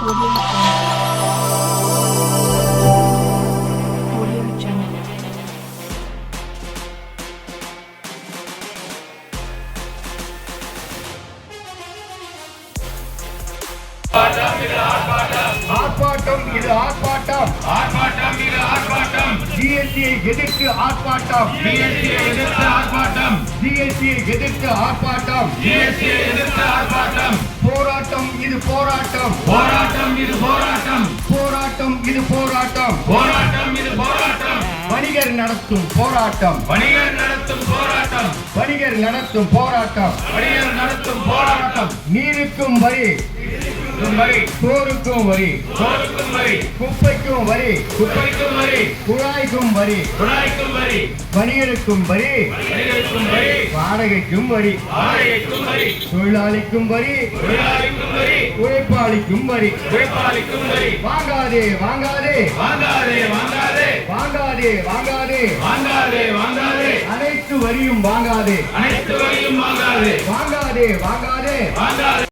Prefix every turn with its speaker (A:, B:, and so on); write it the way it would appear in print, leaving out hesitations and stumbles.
A: ஆர்ப்பாட்டம் இது ஆர்ப்பாட்டம்,
B: ஆர்ப்பாட்டம் இது ஆர்ப்பாட்டம்,
A: ஜிஎஸ்டியை எதிர்த்து ஆர்ப்பாட்டம்,
B: ஜிஎஸ்டியை எதிர்த்து ஆர்ப்பாட்டம்,
A: ஜிஎஸ்டியை எதிர்த்து ஆர்ப்பாட்டம்,
B: ஜிஎஸ்டியை எதிர்த்து ஆர்ப்பாட்டம்,
A: போராட்டம் இது போராட்டம்,
B: போராட்டம் இது போராட்டம்,
A: போராட்டம் இது போராட்டம்,
B: போராட்டம் இது போராட்டம்,
A: வணிகர் நடத்தும் போராட்டம்,
B: வணிகர் நடத்தும் போராட்டம்,
A: வணிகர் நடத்தும் போராட்டம்,
B: வணிகர் நடத்தும் போராட்டம்,
A: நீருக்கும் வரி,
B: வரி,
A: சோறுக்கும் வரி,
B: சோறுக்கும் வரி,
A: குப்பைக்கும் வரி,
B: குப்பைக்கும் வரி,
A: குழாய்க்கும் வரி,
B: குழாய்க்கும் வரி,
A: வணிகருக்கும் வரி,
B: வணிகருக்கும் வரி,
A: வாடகைக்கும் வரி,
B: வாடகைக்கும் வரி,
A: தொழிலாளிக்கும் வரி,
B: தொழிலாளிக்கும் வரி,
A: உழைப்பாளிக்கும் வரி.
B: உழைப்பாளிக்கும் வரி.
A: வாங்காதே வாங்காதே
B: வாங்காதே வாங்காதே
A: வாங்காதே வாங்காதே
B: வாங்காதே வாங்காதே,
A: அனைத்து வரியும் வாங்காதே,
B: அனைத்து வரியும் வாங்காதே,
A: வாங்காதே வாங்காதே
B: வாங்காதே.